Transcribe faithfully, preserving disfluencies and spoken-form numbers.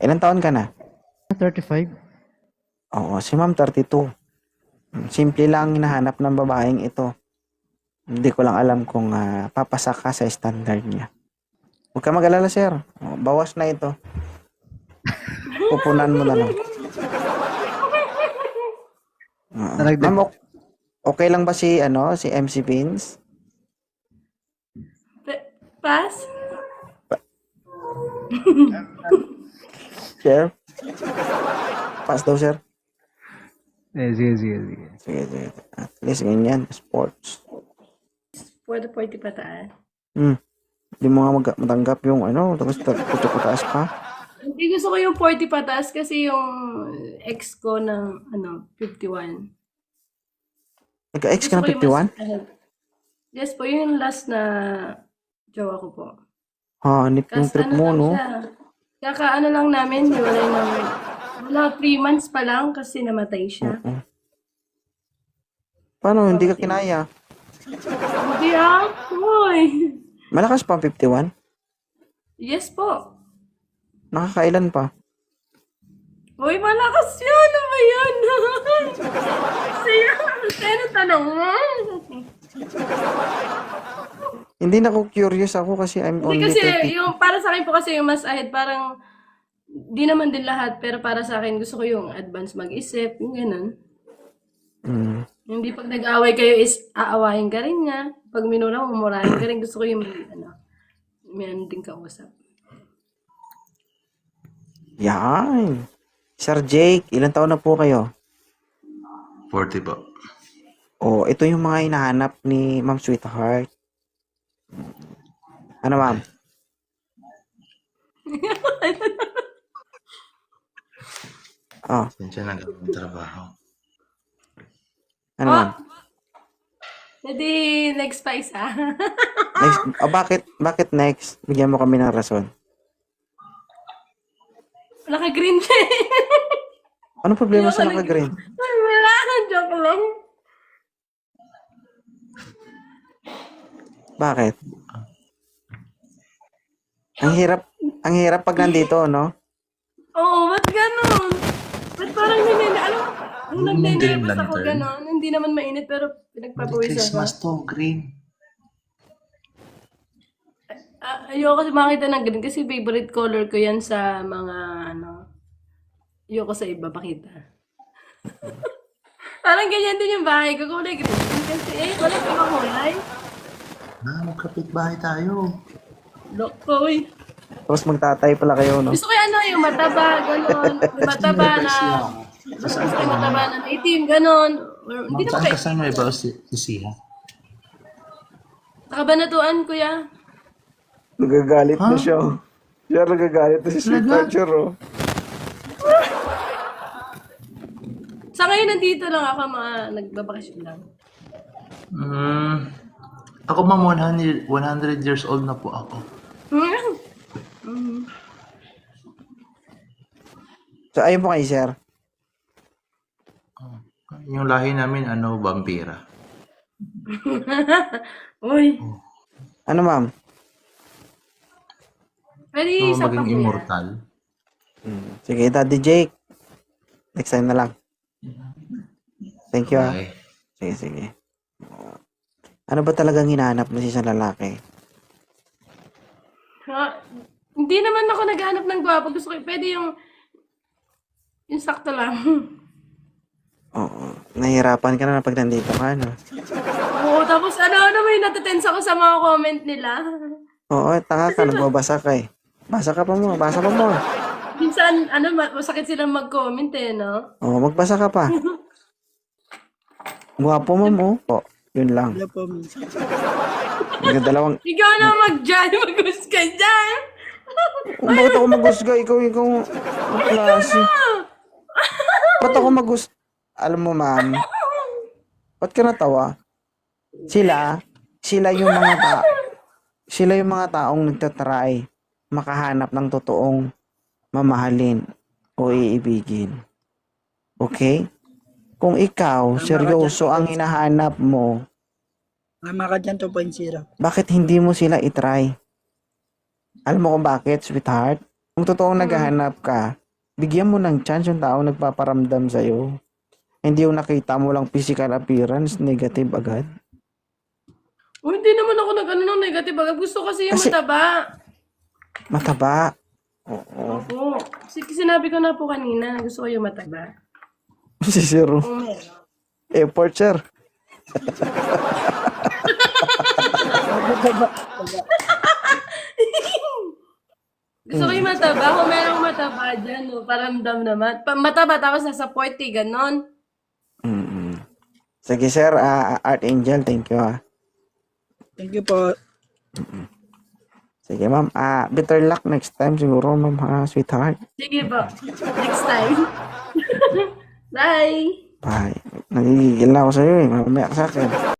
Ilang taon ka na? thirty-five. Oo, si ma'am thirty-two. Simple lang hinahanap ng babaeng ito. Hindi ko lang alam kung uh, papasa ka sa standard niya. Huwag ka mag-alala, sir. O, bawas na ito. Pupunan mo na lang. Uh, Naragdag. ma'am, ok- okay lang ba si, ano, si M C Vince? Pa- Pass? Sir? Pass daw, sir. Eh, sige, sige, sige. Sige, sige. At least ganyan, sports. For the forty pataas. Hmm. Hindi mo nga mag- matanggap yung ano, tapos pataas pa. Hindi gusto ko yung forty pataas kasi yung ex ko ng ano, fifty-one. Nagka-ex ka ng Gusto ko yung fifty-one? mas ahead. Yes po, yun yung last na jowa ko po. Ha, nip yung Kasi trip ano mo, lang no? siya. Kaka ano lang namin, hiwalay ng wala three months pa lang kasi namatay siya. Oo. Paano, hindi ka kinaya? Hindi ah, hoy. Malakas pa ang fifty-one? Yes po. Nakakailan pa? Hoy, malakas yan. Ano ba yan? Siya, sino tanong mo? Hindi na ako curious ako kasi I'm Hindi only kasi, thirty. yung, para sa akin po kasi yung mas ahead, parang, di naman din lahat, pero para sa akin, gusto ko yung advance mag-isip, yung ganun. Mm. Hindi pag nag-away kayo is aawahin ka rin niya. Pag minura mo, murahin ka rin. Gusto ko yung, ano, may ano din kausap. Yan. Sir Jake, ilang taon na po kayo? forty po. Oh, ito yung mga hinahanap ni Ma'am Sweetheart. Ano, ma'am? Oh, Sensya na gawin trabaho. ano, ma'am? Hindi, next pa isa. Next, oh, bakit, bakit next? Bigyan mo kami ng rason. Naka-green siya eh. Ano problema Ayoko sa nag- naka-green? Ay, wala. Joke lang. Bakit? Ang hirap, ang hirap pag nandito, no? Oo, ba't ganun? Ba't parang hindi, alam mo, nung Yung green nagne-nervous ako lantern. gano'n, hindi naman mainit pero pinagpapawisan ako. Christmas to, green. Ah, ayoko makita ng green kasi favorite color ko yan sa mga ano. Ayoko sa iba pakita. Parang ganyan din yung bahay ko, kulay green. Kasi eh, wala pa mga kulay. Ah, magkapit bahay tayo. Loko, uy. Tapos magtatay pala kayo, no? Gusto ko yung ano, yung mataba, gano'n. Yung mataba na, gusto ko yung mataba na itim, gano'n. Or, hindi Ma'am, naman saan kayo. kasama iba si, si Siha? Nakabanatuan, kuya. Nagagalit na Huh? siya. oh. Siya nagagalit na si Sweetheart, sir, oh. Sa ngayon, nandito lang ako, mga nagbabakasyon lang. Hmm. Ako ma'am, one hundred, one hundred years old na po ako. Mm. So, ayun po kayo, sir. Yung lahi namin, ano, vampira. Uy, Ano, ma'am? pwede So, isa pa maging kuya. immortal. Hmm. Sige, Daddy Jake. Next time na lang. Thank you, ah. Okay. Sige, sige. Ano ba talagang hinahanap mo sa isang lalaki? Ha, hindi naman ako naghanap ng gwapo. Gusto ko, pwede yung, yung sakto lang. Oo. Nahihirapan ka na pag nandito ka, no? Oo, tapos ano, ano may natatense ako sa mga comment nila. Oo, tanga ka. Nagbabasa ka eh. Basa ka pa mo. Basa pa mo. Minsan, ano, ma- masakit silang mag-comment eh, no? Oo, magbasa ka pa. Gwapo mo mo. Oo, yun lang. Wala po, minsan. Nagdalawang... Ikaw na mag-dyan, mag-gusto dyan. Kung bakit ako magusga? Ikaw, ikaw... Ang klase. Ba't ako magus... Alam mo, ma'am, ba't ka natawa? Sila, sila yung mga ta sila yung mga taong nagtatry makahanap ng totoong mamahalin o iibigin. Okay? Kung ikaw, seryoso ang hinahanap mo, Tama ka dyan, two point oh. bakit hindi mo sila itry? Alam mo kung bakit, sweetheart? Kung totoong naghahanap ka, bigyan mo ng chance yung tao nagpaparamdam sa'yo. Hindi yung nakita mo lang physical appearance, negative agad. Oh, hindi naman ako nag-ano ng negative. Agad gusto kasi yung Kasi- mataba. Mataba. Oo. Opo. Kasi sinabi ko na po kanina, gusto ko yung mataba. Si Zero. Kung meron. Airport, sir. Gusto ko yung mataba. Kung merong mataba dyan, no, paramdam naman. Pa- mataba tapos nasa forty, ganon. Mm-mm. Sige, sir. ah, Art Angel, thank you, ah. Thank you po. Sige, ma'am. Ah, better luck next time siguro, ma'am, ha, sweetheart. Sige po. Next time. Bye! Bye. Nagigigil na ako sa'yo, eh. Mamaya ka sa akin.